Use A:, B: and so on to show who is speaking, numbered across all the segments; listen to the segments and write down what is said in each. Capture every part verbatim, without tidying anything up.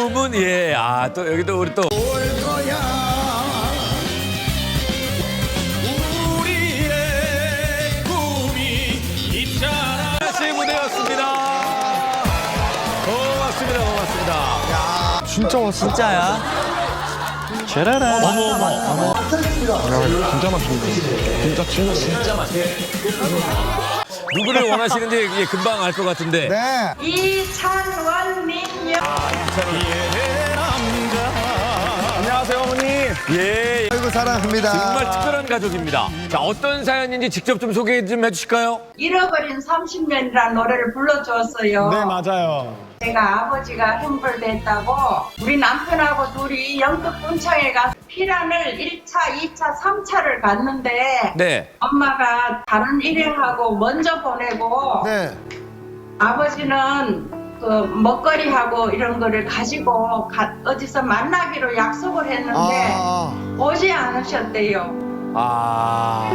A: 꿈은 예, 아 또 여기도 우리 또
B: 올 거야 우리의 꿈이 있잖아.
A: 다시 무대였습니다. 고맙습니다, 고맙습니다.
C: 진짜 왔어.
D: 진짜야?
C: 제라라.
A: 어머 어머.
C: 야, 진짜 맛있는데. 진짜 진짜 진짜 맛있어.
A: 누구를 원하시는지 예, 금방 알 것 같은데.
E: 네.
F: 이찬원님요.
C: 안녕하세요, 어머니.
A: 예,
E: 아이고 사랑합니다.
A: 정말 특별한 가족입니다. 자, 어떤 사연인지 직접 좀 소개 좀 해주실까요?
F: 잃어버린 삼십 년이라는 노래를 불러주었어요.
C: 네, 맞아요.
F: 제가 아버지가 형벌됐다고 우리 남편하고 둘이 영덕 분창에 가서 피란을 일 차, 이 차, 삼 차를 갔는데
A: 네.
F: 엄마가 다른 일행하고 먼저 보내고
E: 네.
F: 아버지는 그 먹거리하고 이런 거를 가지고 가, 어디서 만나기로 약속을 했는데
E: 아.
F: 오지 않으셨대요.
A: 아,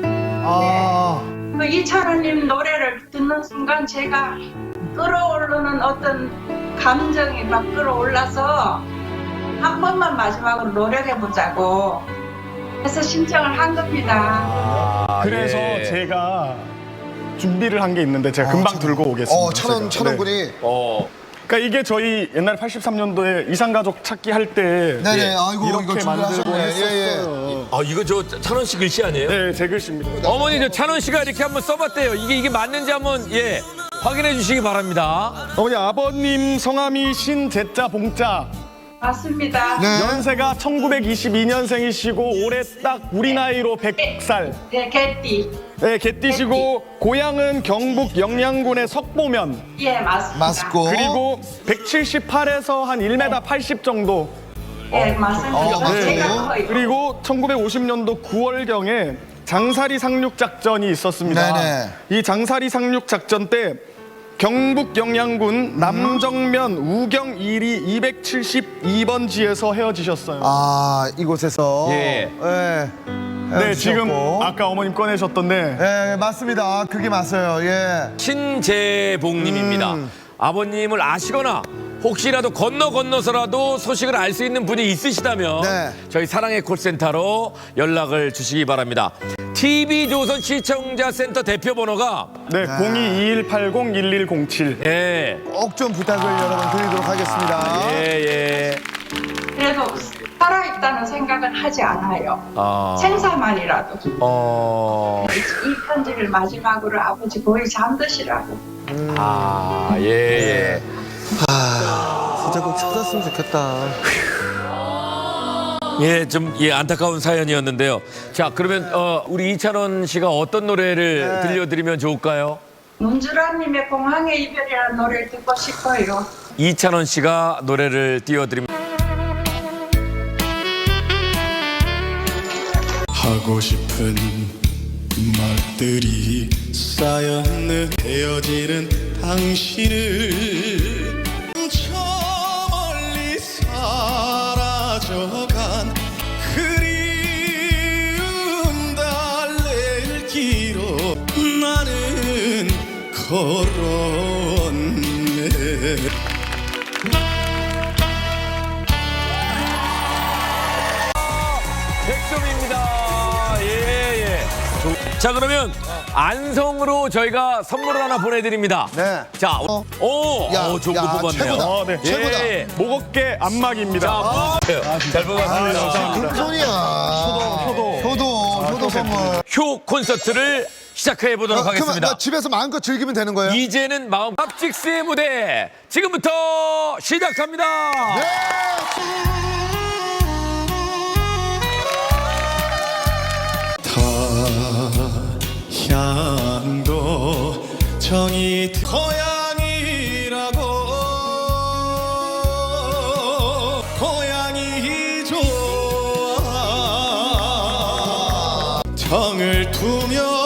E: 아.
F: 그 이찬원님 노래를 듣는 순간 제가 끌어오르는 어떤 감정이 막 끌어올라서 한 번만 마지막으로 노력해보자고 해서 신청을 한 겁니다.
A: 아,
C: 그래서
A: 예.
C: 제가 준비를 한 게 있는데 제가 금방
E: 천-
C: 들고 오겠습니다.
E: 어, 천원,
C: 제가.
E: 천원
C: 네.
E: 군이.
A: 어,
C: 그러니까 이게 저희 옛날 팔십삼 년도에 이상가족 찾기 할 때
E: 네네,
C: 예,
E: 아이고, 이거
C: 이렇게
E: 준비하셨네.
C: 만들고
E: 예,
C: 했었어요.
A: 아 이거 저 찬원 씨 글씨 아니에요?
C: 네, 제 글씨입니다.
A: 어머니 저 찬원 씨가 이렇게 한번 써봤대요. 이게 이게 맞는지 한번 예 확인해 주시기 바랍니다.
C: 어머니 아버님 성함이 신제자 봉자.
F: 맞습니다.
E: 네.
C: 연세가 천구백이십이 년생이시고 올해 딱 우리 나이로 백 살.
F: 네, 개띠.
C: 네, 개띠시고 고향은 경북 영양군의 석보면.
F: 예, 맞습니다.
E: 맞고.
C: 그리고 백칠십팔에서 한 일 미터 팔십 정도.
F: 예, 맞습니다.
E: 어,
C: 네.
F: 제가 커요.
C: 그리고 천구백오십 년도 구월경에 장사리 상륙 작전이 있었습니다.
E: 네네.
C: 이 장사리 상륙 작전 때 경북 영양군 남정면 우경 일 리 이백칠십이 번지에서 헤어지셨어요.
E: 아, 이곳에서.
A: 예.
E: 예.
C: 네, 지금
E: 헤어지셨고.
C: 아까 어머님 꺼내셨던데
E: 예, 맞습니다. 그게 맞아요. 예.
A: 신재봉님입니다.
E: 음.
A: 아버님을 아시거나 혹시라도 건너 건너서라도 소식을 알 수 있는 분이 있으시다면
E: 네.
A: 저희 사랑의 콜센터로 연락을 주시기 바랍니다. 티비조선 시청자 센터 대표 번호가
C: 네, 공이 이일팔공 일일공칠.
A: 예,
E: 꼭 좀 부탁을 여러분 드리도록 하겠습니다.
A: 예, 예.
F: 그래도 살아있다는 생각은 하지 않아요.
A: 아,
F: 생사만이라도.
A: 어,
F: 이 편지를 마지막으로 아버지 거의 잠드시라고.
A: 아, 예, 예.
D: 진짜 꼭 찾았으면 좋겠다.
A: 예, 좀, 예, 안타까운 사연이었는데요. 자, 그러면, 어, 우리 이찬원 씨가 어떤 노래를
E: 네.
A: 들려드리면 좋을까요?
F: 문주라님의 공항의 이별이라는 노래를 듣고 싶어요.
A: 이찬원 씨가 노래를 띄워드립니다.
B: 하고 싶은 말들이 쌓였는 헤어지는 당신을 저 멀리 사라져간 그리움 달랠 길로 나는 걸었네.
A: 백 점입니다. 예, 예. 자, 그러면 안성으로 저희가 선물을 하나 보내드립니다.
E: 네.
A: 자,
E: 어.
A: 오,
E: 야,
A: 오, 좋은
E: 야,
A: 거 뽑았네요.
E: 최고다.
C: 어, 네.
E: 최고다.
A: 예, 예.
C: 목 어깨 안마기입니다.
A: 자, 뽑았어요. 잘 뽑았습니다.
E: 금손이야. 효도,
C: 효도.
E: 효도, 효도 선물.
A: 효 콘서트를 시작해 보도록
E: 어, 그러면
A: 하겠습니다.
E: 나 집에서 마음껏 즐기면 되는 거예요?
A: 이제는 마음 팝직스의 무대 지금부터 시작합니다.
E: 네.
B: 타향도 정이 드- 고향이라고 고향이 좋아 정을 두며